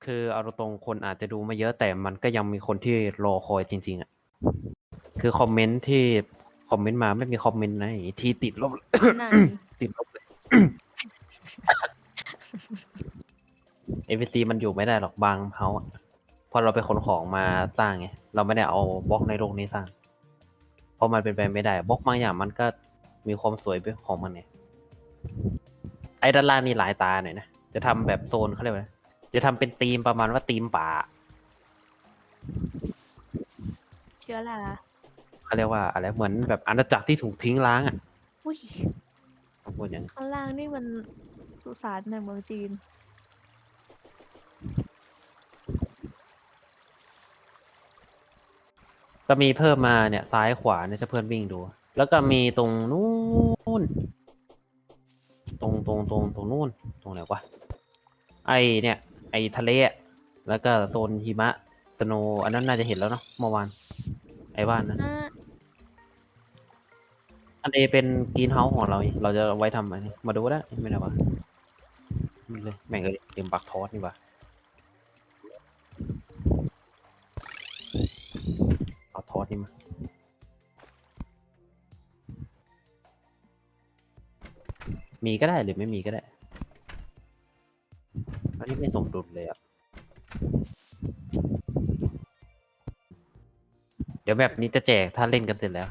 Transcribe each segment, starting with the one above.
คือเอาตรงๆคนอาจจะดูไม่เยอะแต่มันก็ยังมีคนที่รอคอยจริงๆอ่ะคือคอมเมนต์ที่คอมเมนต์มาไม่มีคอมเมนต์ไหนที่ติดลบไหนติดลบเลย NPC มันอยู่ไม่ได้หรอกบางเฮาอะพอเราไปขนของมาสร้างไงเราไม่ได้เอาบล็อกในโลกนี้สร้างเพราะมันเป็นไปไม่ได้บล็อกบางอย่างมันก็มีความสวยเป็นของมันเนี่ยไอ้ด้านล่างนี่หลายตาหน่อยนะจะทำแบบโซนเขาเรียกว่าอะไรจะทำเป็นธีมประมาณว่าธีมป่าเชื้อราเขาเรียกว่าอะไรเหมือนแบบอาณาจักรที่ถูกทิ้งร้างอ่ะอุ้ยต้องพูดอย่างนั้นข้างล่างนี่มันสุสานในเมืองจีนก็มีเพิ่มมาเนี่ยซ้ายขวาเนี่ยถ้าเพื่อนวิ่งดู แล้วก็มีตรงนู้นตรงนู้นตรงไหนวะไอเนี่ยไอทะเลอะแล้วก็โซนหิมะสโนว์อันนั้นน่าจะเห็นแล้วเนาะเมื่อวานไอ้บ้านนั้นอันนี้เป็นกรีนเฮาส์ของเราเราจะไว้ทำอะไรมาดูได้ไม่ได้วะมันเลยแม่งเลยเตรียมปักทอสนี่วะเอาทอสนี่มามีก็ได้หรือไม่มีก็ได้อันนี้ไม่สมดุลเลยอ่ะเดี๋ยวแบบนี้จะแจกถ้าเล่นกันเสร็จแล้ว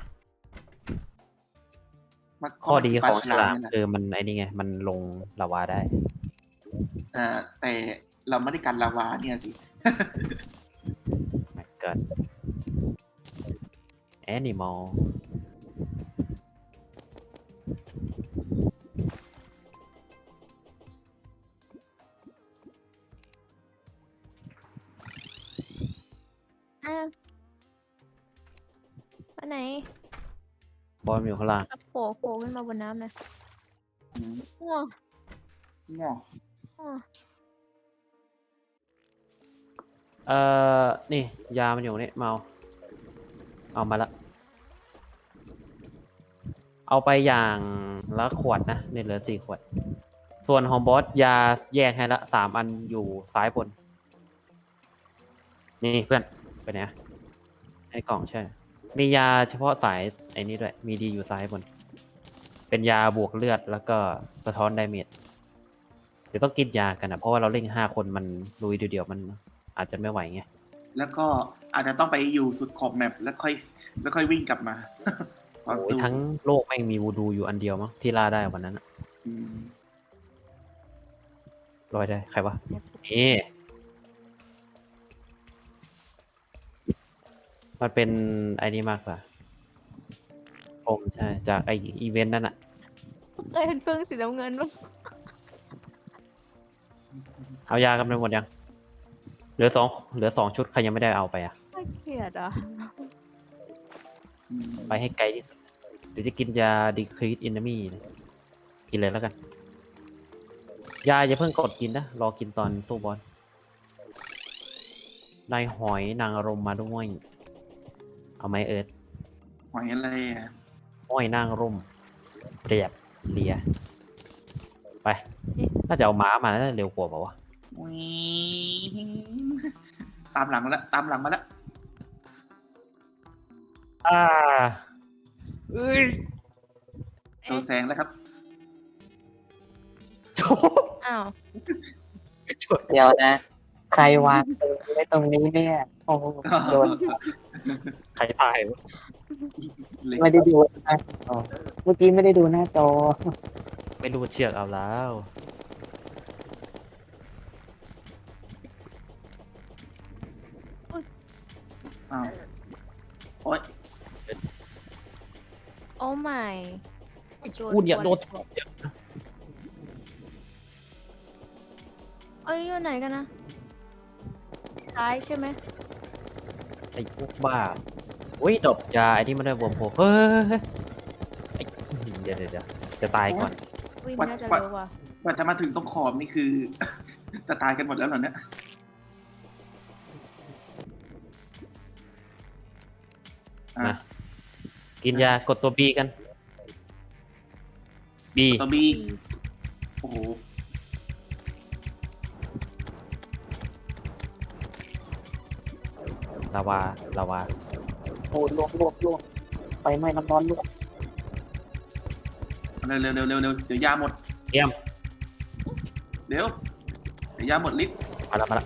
ข้อดีของฉลามคือมันไอ้นี่ไงมันลงลาวาได้แต่เราไม่ได้กันลาวาเนี่ยสิแม็กเกิลแอนิมอลไปไหนบอลอยู่ข้างล่างโผล่ขึ้นมาบนน้ำนะง้อง้อนี่ยามันอยู่นี่เมาเอามาละเอาไปอย่างละขวดนะเนี่ยเหลือ4 ขวดส่วนของบอสยาแยกให้ละ3 อันอยู่ซ้ายบนนี่เพื่อนไปไหนไอ้กล่องใช่มียาเฉพาะสายไอ้นี่ด้วยมีดีอยู่ซ้ายบนเป็นยาบวกเลือดแล้วก็สะท้อนดาเมจเดี๋ยวต้องกินยากันนะเพราะว่าเราเล่น5 คนมันลุยเดียวๆมันอาจจะไม่ไหวไงแล้วก็อาจจะต้องไปอยู่สุดขอบแมปแล้วค่อยวิ่งกลับมาโอ้ยทั้งโลกไม่มีวูดูอยู่อันเดียวมั้งที่ล่าได้วันนั้นลอยได้ใครวะนี่มันเป็นไอ้นี่มากกว่าผมใช่จากไออีเวนต์นั่นอะเป็นเฟื่องสีน้ำเงินมั้งเอายากันไปหมดยังเหลือ2 ชุดใครยังไม่ได้เอาไปอ่ะน่าเกลียดอ่ะไปให้ไกลที่สุดเดี๋ยวจะกินยา decrease enemy กินเลยแล้วกันยาอย่าเพิ่งกดกินนะรอกินตอนสู้บอสนายหอยนางรมมาด้วยเอาไหมเอิร์ธหอยอะไรอ่ะห้อยนางรมเรียบเลียไปน่าจะเอาม้ามาน่าจะเร็วกว่าเปล่าวะตามหลังมาแล้วโดนแซงแล้วครับอ้าวเดี๋ยวนะ ใครวางปืนไว้ตรงนี้เนี่ย โอ้โหโดนใครตายวะไม่ได้ดูนะอ๋อเมื่อกี้ไม่ได้ดูหน้าจอไม่รู้เชือกเอาแล้วอ้าวโอ๊ยโอ้ไม่กูเนี่ยโดนเอ้ยอยู่ไหนกันนะซ้ายใช่ไหมไอ้พวกบ้าอุ้ยดอกยาไอ้ที่มันได้บวมโผล่เฮ้ยไอ้เดี๋ยวจะตายก่อนวิ่งน่าจะเร็วว่ะกว่าจะมาถึงตรงขอบนี่คือ จะตายกันหมดแล้วเหรอเนี่ยมากินยากดตัว B กัน B ตัวบีโอ้โหลาวาลาวาโอ้ลวกไฟไหม้น้ำร้อนลวกเร็วเร็วเร็วเร็วเร็วเดี๋ยวยาหมดเตรียมเดี๋ยวยาหมดฤทธิ์มาละ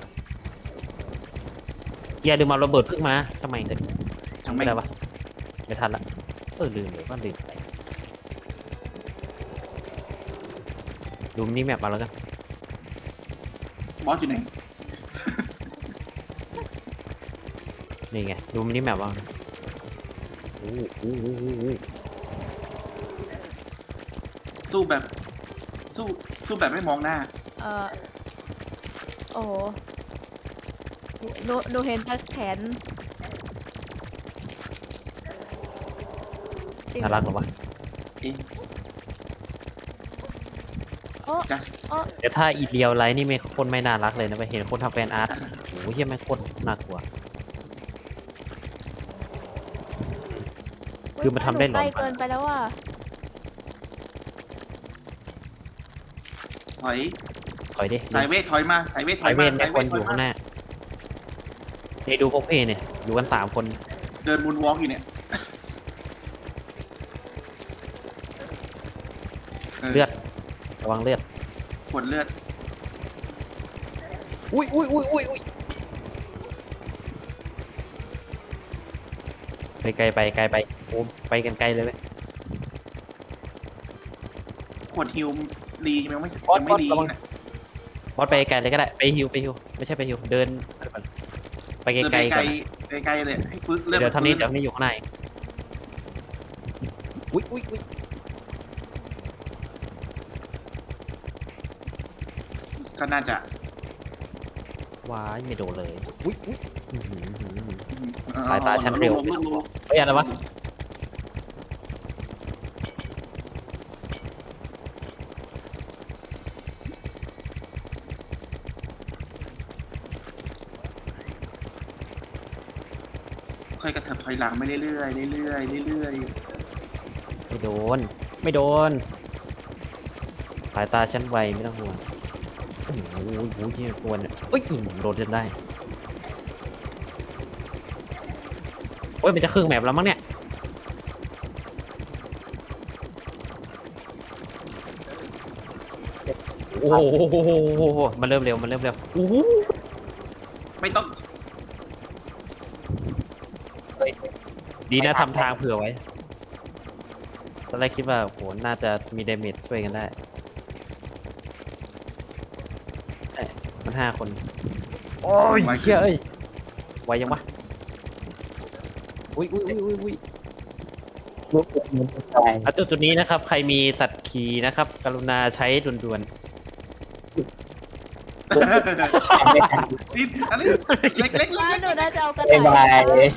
อย่าลืมเอาระเบิดพึ่งมาทำไมเถอะทำไมไม่ได้ปะไม่ทันละลืมเลยว่าลืมไปดูมินิแมปมาแล้วกันบอสอยู่ไหนนี่ไงดูมินิแมปว่าโอ้โหสู้แบบ สู้แบบไม่มองหน้าโอ้โหหนูเห็นแต่แขนน่ารักเหรอวะเอ๊ะโอ้จัสแต่ถ้าอีเรียวไลท์นี่ไม่คนไม่น่ารักเลยนะไปเห็นคนทำแฟนอาร์ตโอ้โหเฮียแม่งโคตรน่ากลัว คือมันทำได้หรอใกล้เกินไปแล้วว่ะถอยถอยดิสายเวทถอยมาสายเวทถสาอย ยเวมานแม่คนอยู่ข้างหน้านี่ดูพวกพี่เนี่ยอยู่กัน3 คนเดินมูนวอล์กอยู่เนี่ยเลือดระวังเลือดขวดเลือดอุ้ยไปไกลไปโอ้ไปกันไกลเลยเว้ยขวดฮิวดียังไม่บอสยังไม่ดีระวังนะบอสไปไกลเลยก็ได้ไปฮิวไม่ใช่ไปฮิวเดินไปไกเดินลไปๆไกก่ลอนนะไปไกลเลยให้ฟื้นเลือดเดี๋ยวทำนี้ฟื้เดี๋ยวนี้อยู่ข้างในอุ้ยก็น่าจะว้ายไม่โดนเลยอุ้ยอื้อหือเออสายตาฉันเร็วลงเฮ้ยอะไรวะค่อยกระเถิบถอยหลังไปเรื่อยๆเรื่อยๆเรื่อยไม่โดนสายตาฉันไวไม่ต้องห่วงโอ้โหที่ควรเนี่ยเอ้ยโดนจนได้โอ้ยมันจะครึ่งแมปแล้วมั้งเนี่ยโอ้โหมันเริ่มเร็วโอ้โหๆไม่ต้องดีนะทำทางเผื่อไว้ตอนแรกคิดว่าโหน่าจะมีเดเมจช่วยกันได้เอ้ยมัน5 คน โอ้ยเชี่ยเอ้ยไวยังวะอุ้ยลวกมันตายจุดนี้นะครับ ใครมีสัตว์ขี่นะครับ กรุณาใช้ด่วนไม่ทันนิดอันนี้เล็กๆว่าเล็กหนูน่าจะเอากระบ๊ายบาต่ายย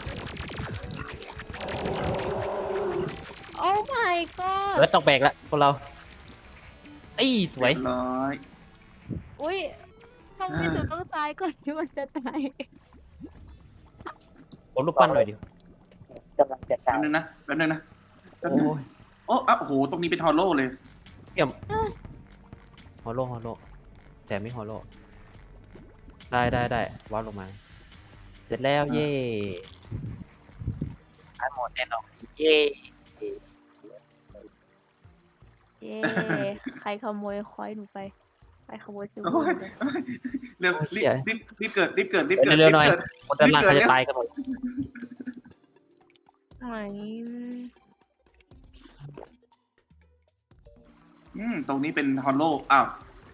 โอ้ my ๆ god เออต้องแบกละพวกเราไอ้ยสๆวยเรียบร้อยอุ้ยทำไมหนูต้องตายก่อนที่มันจะตายผมรูปปั้นหน่อยดิกำลังจะแป๊ตาบยนึงนะแป๊บนึงนะแป๊บโอ้นึงยโอ้อ้าวโอ้โหตรงนี้เป็นฮอลโลเลยฮอลโลแต่ไม่ฮอลโลได้วาดลงมา เสร็จแล้วเย่อันหมดแน่นอนเย่เย้ใครขโมยคอยหนูไปใครขโมยซื้อโอ้ยไปเร็วรีบเกิดรีบเกิดรีบเกิดเร็วๆหน่อยรีบเกิดคนด้านล่างเขาจะตายกันหมดไหนตรงนี้เป็นฮอลโลอ้าว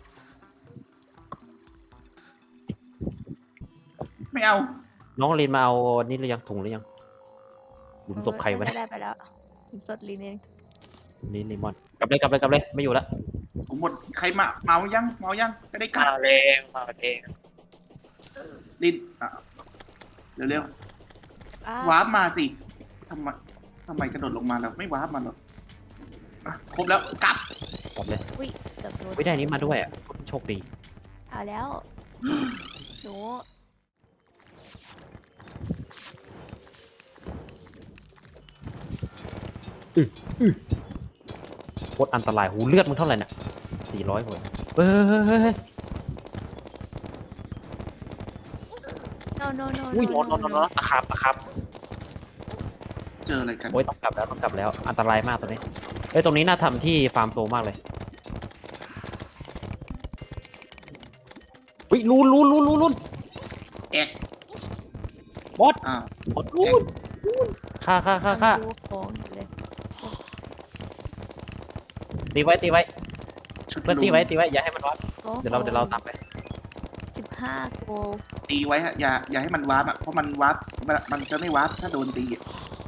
ไม่เอาน้องลินมาเอานี่หรือยังถุงหรือยังหลุมศพใครวะเนี่ยได้ไปแล้วหลุมศพลีนเองนี่ลิมอนกลับเลยไม่อยู่แล้วผมหมดใครมาเมายังจะได้กัดมาเองมาเองลิ้นเร็วอ้าๆวาร์ปมาสิทำไมกระโดดลงมาแล้วไม่วาร์ปมาหรอกอ่ะครบแล้วกลับกลับเลยอุ้ยเกือบโดนไม่ได้นี้มาด้วยอ่ะโชคดีเอาแล้วหนูโคตรอันตรายหูเลือดมึงเท่าไหร่เนี่ย400 คนเฮ้ยน้ no no no อุ้ย no นอนตะขับเจออะไรกันโอ้ยต้องกลับแล้วอันตรายมากตรงนี้เฮ้ยตรงนี้น่าทำที่ฟาร์มโซมากเลยอุ้ยลูนแอกบอสอ้าวบอสลูนฆ่าดูของอยู่เลยตีไว้ชุดเพื่อนตีไว้อย่าให้มันวัดโอ้เดี๋ยวเราตามไป 15 โกตีไว้ฮะอย่าให้มันวาร์ปอ่ะเพราะมันวาร์ปมันจะไม่วาร์ปถ้าโดนตีอะ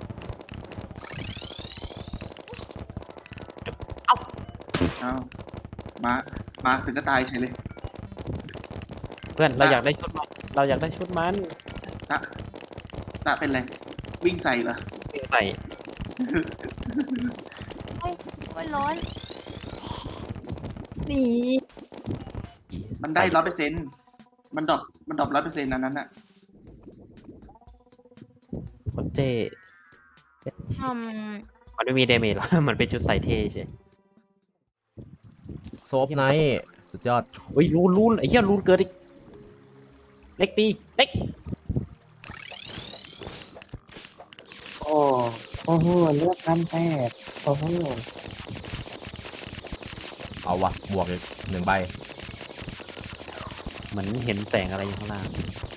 เอามาถึงก็ตายเฉยเลยเพื่อนเราอยากได้ชุดมันตะเป็นไรวิ่งใส่เหรอวิ่งใส่เฮ้ยมันร้อนนี่มันได้100%มันดรอป100%อันนั้นอ่ะคนเจอืมมันไม่มีเดเมจหรอก มันเป็นชุดใส่เท่ใช่โซฟไนท์สุดยอดเฮ้ยลูนไอ้เหี้ยลูนเกิดอีกเล็กตีเล็กโอ้โหเลือกกันแปดโอ้โหเอาวะบวกอีก1 ใบเหมือนเห็นแสงอะไรอยู่ข้างล่าง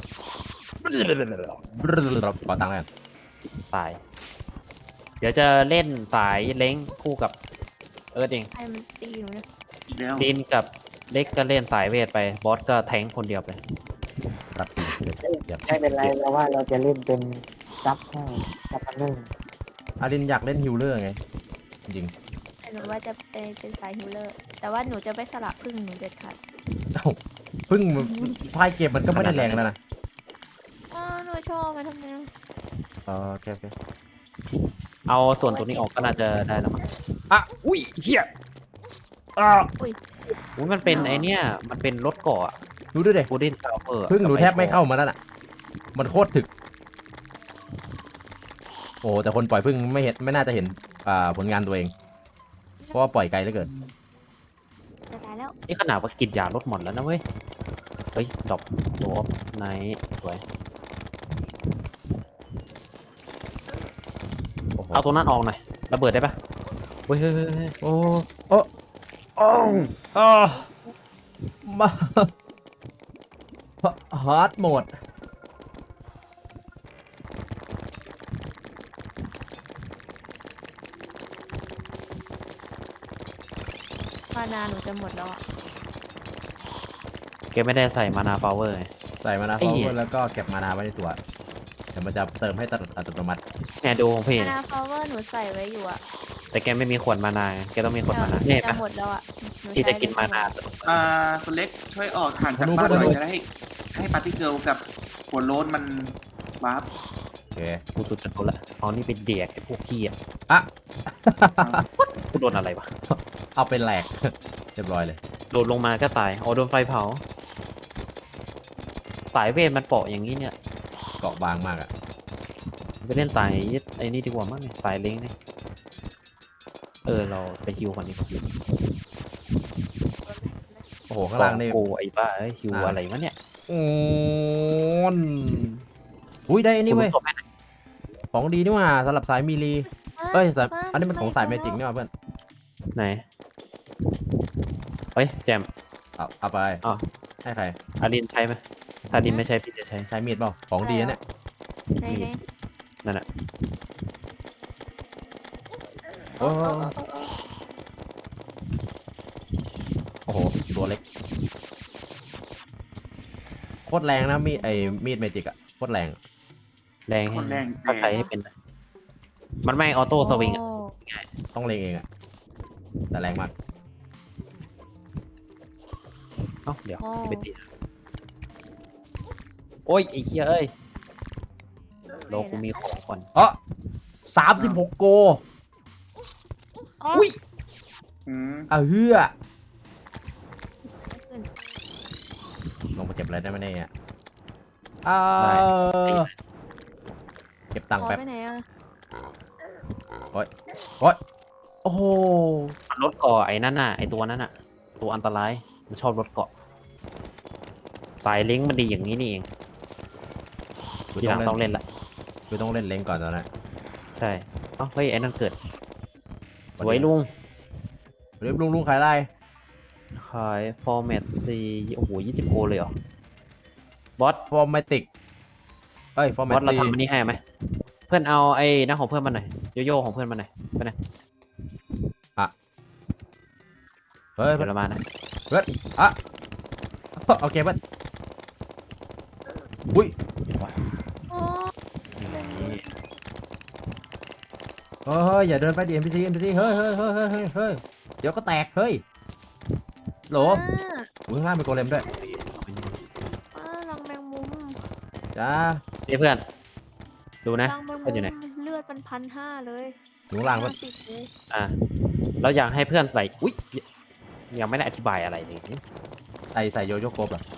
ขอตังค์กันตาย เดี๋ยวจะเล่นสายเล้งคู่กับเอิร์ธเองใครมันตีหนูเนี่ยอีกแล้วดินกับเล็กก็เล่นสายเวทไปบอสก็แทงค์คนเดียวไปรับตีเดี๋ยวไม่เป็นไรเราว่าเราจะเล่นเป็นซับให้ซับอันนึงอารินอยากเล่นฮิลเลอร์ไง จริงแต่หนูว่าจะเป็นสายฮิลเลอร์ แต่ว่าหนูจะไม่สลับพึ่งหนูเด็ดขาดๆเอ้าเพิ่งพายเกมมันก็ไม่ได้แรงแล้วนะอ๋อหนูชอบมันทำไมโอเคเอาส่วนตรงนี้ออกก็น่าจะได้แล้วมั้งอ่ะอุ้ยเฮียอ่ะอุ้ยอุ้ยมันเป็นไอเนี้ยมันเป็นรถเกาะดูด้วยเด็บูดินซาวเวอร์เพิ่งหนูแทบไม่เข้ามาแล้วน่ะ มันโคตรถึก โอ้แต่คนปล่อยเพิ่งไม่น่าจะเห็นผลงานตัวเอง เพราะว่าปล่อยไกลเหลือเกินจะตายแล้วนี่ขนาดว่ากินยาลดหมดแล้วนะเว้ยเฮ้ยดอกโซฟไนท์สวยโอ้โหเอาตรงนั้นออกหน่อยระเบิดได้ปะเฮ้ยโอ้โอ้โอ้อ้ามาฮาร์ดโหมดมานาหนูจะหมดแล้วอ่ะเกมไม่ได้ใส่มานาพาวเวอร์ไงใส่มานาไอ้พาวเหี้เวย อร์แล้วก็เก็บมานาไว้ในตัวเดี๋ยวมันจะเติมให้อัตโนมัติเนี่ยดูของพี่มาเนี่ยนาพาวเวอร์หนูใส่ไว้อยู่อ่ะแต่แกไม่มีขวดมานาไงแกต้องมีขวดมานาเนี่ยจะปะหมดแล้วอ่ะหที่จะใช้กินมานาคนเล็กช่วยออกห่างจากบ้านหน่อยจะได้ให้ปาร์ตี้เกิร์ลกับหัวโล้นมันวาร์ปโอเคกูสุดจะโดนละเอานี่เป็นเดียกไอ้พวกขี้อ่ะอ่ะกูโดนอะไรวะเอาเป็นแหลก เรียบร้อยเลยโดนลงมาก็ตายอ๋อโดนไฟเผา สายเวทมันเปาะอย่างนี้เนี่ยเกาะบางมากอะไปเล่นสายไอ้นี่ดีกว่ามั้งเนี่ยสายเล้งเนี่ยเราไปฮิวก่อนดีกว่าโอ้โหข้างล่างนี่โกไอ้บ้าเอ้ยฮิวอะไรวะเนี่ยโอ้นอุ้ยได้อันนี้เว้ยคุณรู้ตัวไหมของดีนี่หว่าสำหรับสายมีลีเอ้ยสายอันนี้มันของสายเมจิกนี่หว่าเพื่อนไหนเฮ้ยแจมเอาไปอ้าวให้ใครอารินใช้ไหมถ้าอารินไม่ใช้พี่จะใช้ใช้มีดเปล่าของดีนะเนี่ยในในนั่นแหละโอ้โอ้โหตัวเล็กโคตรแรงนะมีดเมจิกอะโคตรแรงแรงคนแรงถ้าใช้ให้เป็นนะมันไม่ออโต้สวิงอ่ะโต้องเลงเองอะแต่แรงมากเอ้าเดี๋ยวไปตีโอ้ยไอ้เหี้ยเอ้ยโลกูมีของก่อน 36 โกอุ้ยเฮือลงมาเก็บอะไรได้ไหมเนี่ยเก็บตังค์แป๊บไปไหนอ่ะโอ้โหรถเกาะไอ้นั่นน่ะไอ้ตัวนั้นน่ะ ตัวอันตรายมันชอบรถเกาะสายลิงก์มันดีอย่างนี้นี่เองทีหลังต้องเล่นละคือต้องเล่นเล้งก่อนตอนนั้นใช่เอ้าเฮ้ยไอ้นั่นเกิดสวยลุงเรียบลุงขายอะไรขายฟอร์แมตซีโอ้โห20 โกเลยเหรอบอสฟอร์แมติกเอ้ยฟอร์แมบอสเราตีทำอันนี้ให้ไหมเพื่อนเอาไอ้นั่นของเพื่อนมาหน่อยโยโย่ของเพื่อนมาหน่อยไปไหนเฮ้ยเดี๋ยวเรามานะอ่ะโอเคเพื่อนอุ้ยโอ้นี่เฮ้ยอย่าเดินไปดิ NPC เฮ้ยเดี๋ยวก็แตกเฮ้ยโหลอ่าข้างล่างมีโกเลมด้วยรังแมงมุมจ้านี่เพื่อนดูนะรังแมงเพื่อนอยู่ไหนมุมเลือดมัน1,500เลยอยู่ข้างล่างเพื่อนติดเลยอ่ะเราอยากให้เพื่อนใส่อุ๊ยยังไม่ได้อธิบายอะไรเลยใส่โยโย่โกบเหรอ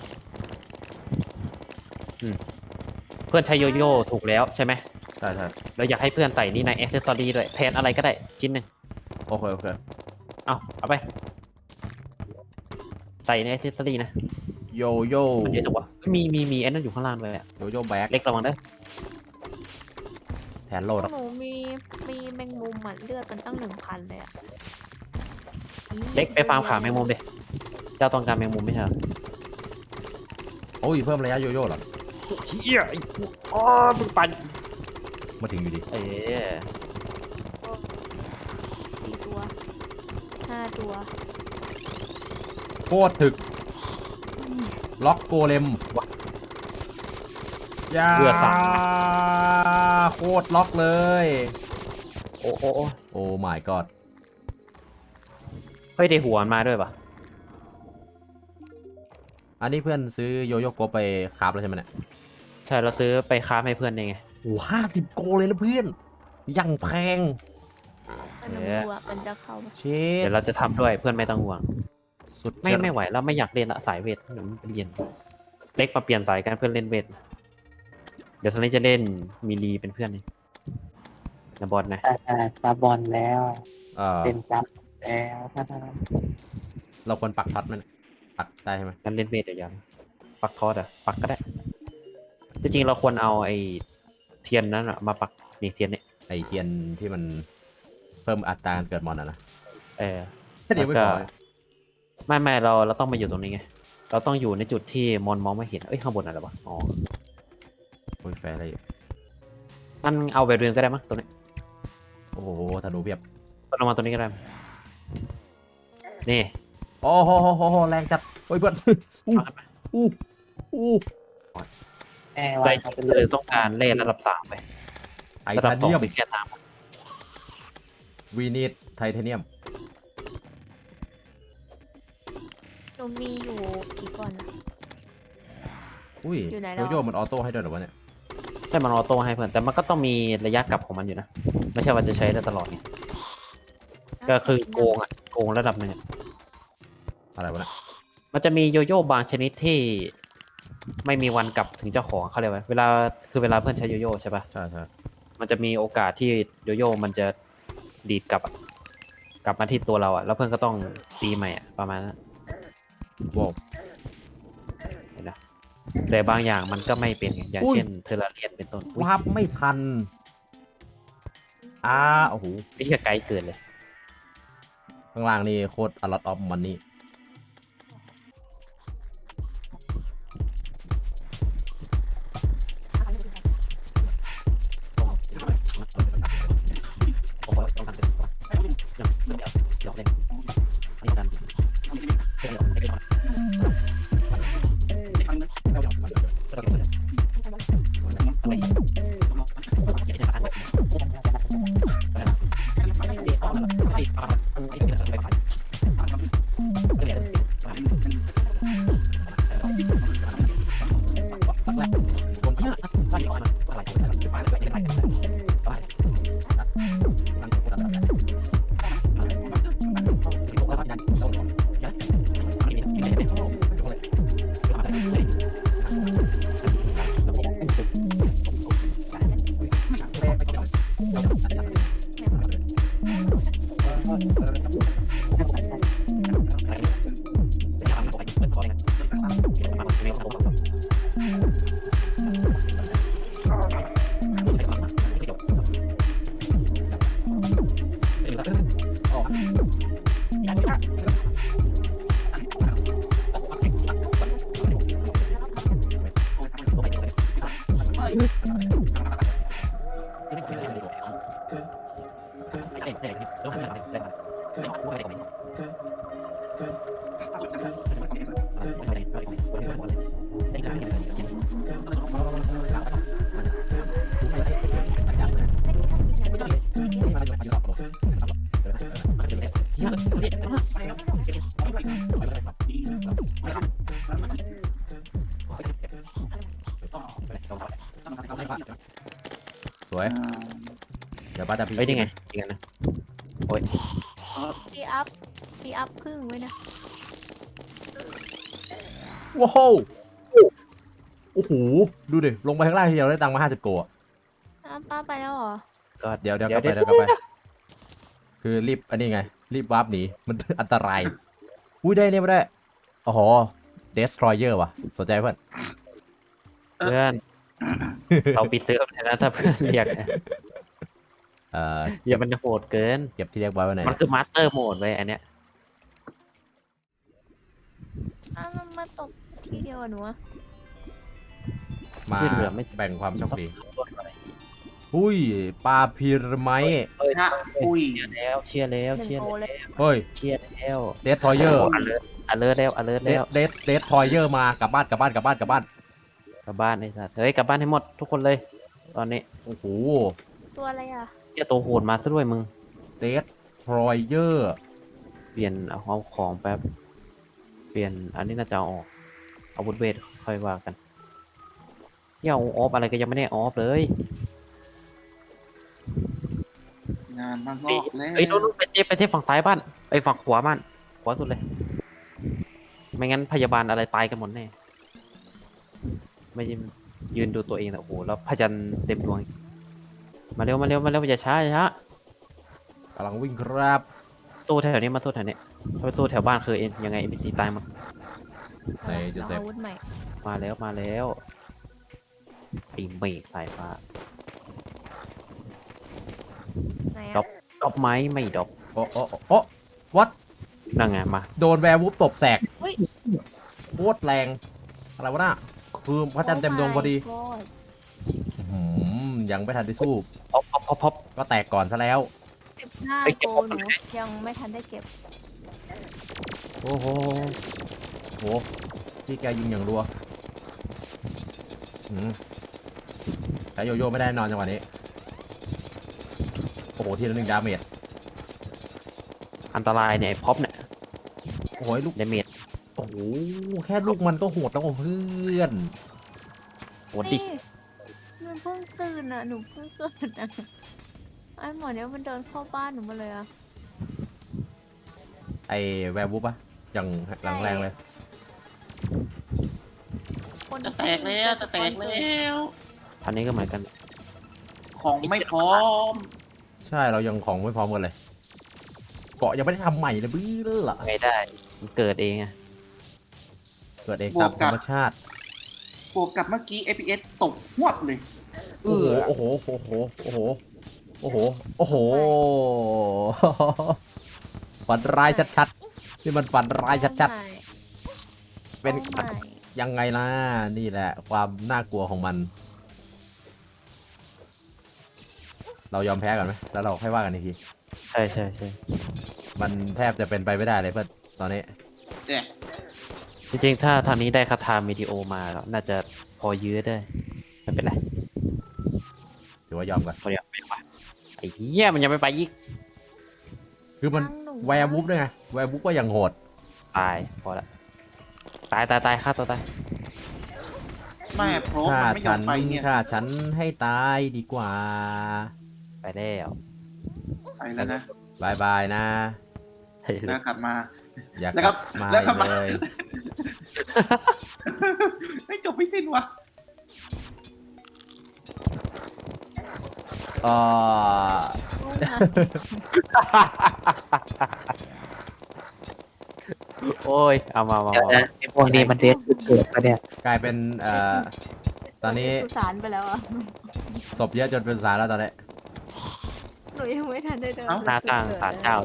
เพื่อนใช้โยโย่ถูกแล้วใช่ไหมใช่เราอยากให้เพื่อนใส่นี่ในแอ c เซสซอรี่ด้วยแทนอะไรก็ได้ชิ้นหนึ่งโอเคเอาไปใส่ในแอ c เซสซอรี่นะโยโย่มันเยอะจังวะมีไอ้นั่นอยู่ข้างล่างเลยอะโยโย่แบ็กเล็กระวังเด้อแทนโลดหนูมีแมงมุมอ่ะเลือดมันตั้ง1,000เลยอ่ะอี๋เล็กไปฟาร์มขาแมงมุมดิเจ้าต้องการแมงมุมไม่ใช่เหรอโอ้ยเพิ่มระยะโยโย่เหรอเฮียไอ้พวกอ๋อมึงปั่นมาถึงอยู่ดีเอ๊ะ 4 ตัว 5 ตัวโคตรถึกล็อกโกเลมยาเรือสามโคตรล็อกเลยโอ้โอ้ my god เฮ้ยได้หัวมันมาด้วยปะอันนี้เพื่อนซื้อโยโย่โกบไปคราฟแล้วใช่ไหมเนี่ยใช่เราซื้อไปค้าให้เพื่อนได้ไงโอ้50 โกเลยนะเพื่อนยังแพงมันเอ๊ะกลัวมันจะเข้ามาเช็เดี๋ดยวเราจะทำด้วยเพื่อนไม่ต้องห่วงสุดไม่ไหวแล้วไม่อยากเล่นละสายเวทเดี๋ยวมันเรียนเล็กมาเปลี่ยนสายกันเพื่อนเล่นเวทเดี๋ยวตอนนี้จะเล่นมีลีเป็นเพื่อนนี่นะบอลนะซาบอลแล้ว เป็นซับแล้วเราควรปักท็อตไหมเนี่ยปักได้ใช่ไหมงั้นเล่นเวทเดี๋ยวยังปักทอดอ่ะปักก็ได้จริงๆเราควรเอาไอ้เทียนนั้นอะมาปักนี่เทียนเนี่ยไอเทียนที่มันเพิ่มอัตราการเกิดมอนนะแล้วเดี๋ยวไม่ก็พอไม่เราต้องมาอยู่ตรงนี้ไงเราต้องอยู่ในจุดที่มอนมองไม่เห็นเอ้ยข้างบนอะไรวะอ๋อโอ้ยแฟร์อะไรอยู่มันเอาไปเรียนก็ได้มั้งตัวนี้โอ้โหธนูเพียบก็ลงมาตัวนี้ก็ได้นี่โอ้โหแรงจัดโอ้ยเพื่อนอู้ใจจริงเลยต้องการเล่นระดับ3ไปไทระดับเทเนียม 2เป็นแค่ตามวีนิดไทเทเนียมหนูมีอยู่กี่ก้อนนะอุ้ยอยู่ไหนโยแล้วโย่มันออโต้ให้ด้วยเหรอวะเนี่ยใช่มันออโต้ให้เพื่อนแต่มันก็ต้องมีระยะกลับของมันอยู่นะไม่ใช่ว่าจะใช้ได้ตลอดไงก็คือโกงอ่ะโกงระดับหนึ่งอะอะไรวะเนี่ยมันจะมีโยโย่บางชนิดที่ไม่มีวันกลับถึงเจ้าของเขาเรียกว่าเวลาเวลาเพื่อนใช้โยโย่ใช่ปะใช่มันจะมีโอกาสที่โยโย่มันจะดีดกลับอะกลับมาที่ตัวเราอ่ะแล้วเพื่อนก็ต้องตีใหม่อ่ะประมาณนั้นว้าวเห็นนะแต่บางอย่างมันก็ไม่เป็นไงอย่างเช่นเทอร์ราเรียนเป็นต้นอุ๊ยวาร์ปไม่ทันโอ้โหไม่ใช่ไกลเกินเลยข้างล่างนี่โคตรอลอตออฟมันนี่โอ้โหต้องทำเป็นตัวเดี๋ยวเล่นนี่กันสวยเดี๋ยวป้าจะพีเฮ้ยนี่ไงจริงกันนะพี่อัพครึ่งไว้นะว้าวโอ้โหดูดิลงไปข้างล่างทีเดียวได้ตังค์มา50 โกะอ้าวป้าไปแล้วเหรอก็เดี๋ยวกลับไปคือรีบอันนี้ไงรีบวาร์ปหนีมันอันตรายอุ้ยได้เนี่ยไม่ได้อ๋อ Destroyer ว่ะสนใจเพื่อนเพื่อนเราปิดเซิร์ฟเลยนะถ้าเพื่อนเรียก อย่ามันจะโหดเกินเก็บที่เรียกไว้ไว้ไหนมันคือมาสเตอร์โหมดไว้อันเนี้ยอ้าวมันมาตกทีเดียวอะหนูอะมาแบ่งความโชคดีอุ้ยปลาพีระไมต์ชะอุ้ยเชียร์แล้วหนึ่งเชียร์โอแล้วเลยเฮ้ยเชียร์แล้ว Destroyer อเลิร์แล้วอเลิร์แล้วเดสทอยเยอร์มากลับบ้านกลับบ้านไอ้สัตว์เฮ้ยกลับบ้านให้หมดทุกคนเลย ตอนนี้โอ้โหตัวอะไรอ่ะเจ้าตัวโหดมาซะด้วยมึงเดสทอยเยอร์เปลี่ยนเอาของแป๊บเปลี่ยนอันนี้น่าจะเอาออกอาวุธเวทค่อยว่ากันอย่าเอาออฟอะไรก็ยังไม่ได้ออฟเลยงานมางอกแล้วเอ้ยโน้นไปเทฝั่งซ้ายบ้านไอ้ฝั่งขวาบ้านขวาสุดเลย ไม่งั้นพยาบาลอะไรตายกันหมดแน่ไม่ยืนดูตัวเองแต่โอ้โหแล้วพยันเต็มดวงอีกมาเร็วอย่าช้ากำลังวิ่งครับสู้แถวนี้มาสู้แถวนี้ถ้าไปสู้แถวบ้านคือเอ็นยังไง NPC ตายหมดไหนจะลองเซฟอาวุธใหม่มาแล้วไอ้เมฆสายฟ้าไหนดรออะป ดอกไม้ไม่ดอกโอ้วัดนั่งไงมาโดนแวร์วูฟตบแตกโคตรแรงอะไรวะน่ะคือพระจันทร์เต็มดวงพอดีโ my god ยังไม่ทันได้สู้พบก็แตกก่อนซะแล้ว 15 ไปเก็บโกของหนูยังไม่ทันได้เก็บโอ้โหที่แกยิงอย่างรัวใช้โยโย่ไม่ได้นอนจังหวะนี้ โอ้โห ทีละ1 ดาเมจอันตรายเนี่ยไอ้พ็อปเนี่ยโอ้โหลูกเดเมจโอ้โห แค่ลูกมันก็โหดแล้วเพื่อนโหดดินี่หนูเพิ่งตื่นอ่ะ หนูเพิ่งตื่นอ่ะไอ้หมอเนี้ยมันเดินเข้าบ้านหนูมาเลยอ่ะไอแวร์วูฟอะอย่างหลังแรงเลยคนจะแตกแล้วจะแตกแล้วอันนี้ก็เหมือนกันของไม่พร้อมใช่เรายังของไม่พร้อมกันเลย เกาะยังไม่ได้ทำใหม่เลยบื้อละไงได้มันเกิดเองอะเกิดเองตามธรรมชาติบวกกับเมื่อกี้ FPS ตกหวดเลยโอ้โห ฝันร้ายชัดๆ นี่มันฝันร้ายชัดๆ เป็นโอ้ my ยังไงล่ะ นี่แหละ ความน่ากลัวของมัน เรายอมแพ้กันไหมแล้วเราค่อยว่ากันอีกทีใช่มันแทบจะเป็นไปไม่ได้เลยเพื่อนตอนนี้เนี่ยจริงๆถ้าทางนี้ได้คาถาวิดีโอมาแล้วน่าจะพอยื้อได้ไม่เป็นไรถือว่ายอมกันตัวเดียวไม่ไหวไอ้เหี้ยมันยังไม่ไปอีกคือมันฟังหนูแวร์วูฟด้วยไง แวร์วูฟก็ยังโหดตายพอละตายฆ่าตัวตายแม่โปรมันไม่ยอมไปเนี่ยถ้าฉันให้ตายดีกว่าไปแล้วไปแล้วนะบายบายนะแล้วกลับมาอย่าแล้วกก็ลับมาแล้วก็อีกมาเลยไม่จบไม่สิ้นวะเอ่อโอ้ยเอามาเดี๋ยวนะไอ้พวกนี้มันเดทเกิดปะเนี่ยกลายเป็นตอนนี้สุสานไปแล้วอ่ะศพเยอะจนเป็นสารแล้วตอนนี้หนูยังไม่ทันได้เดินหน้าตั้งศาลเจ้า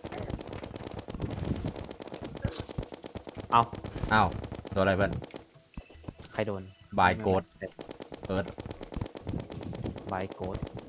เอาอ้าวตัวอะไรเพื่อนใครโดนบายโกดเอิร์ดบายโกด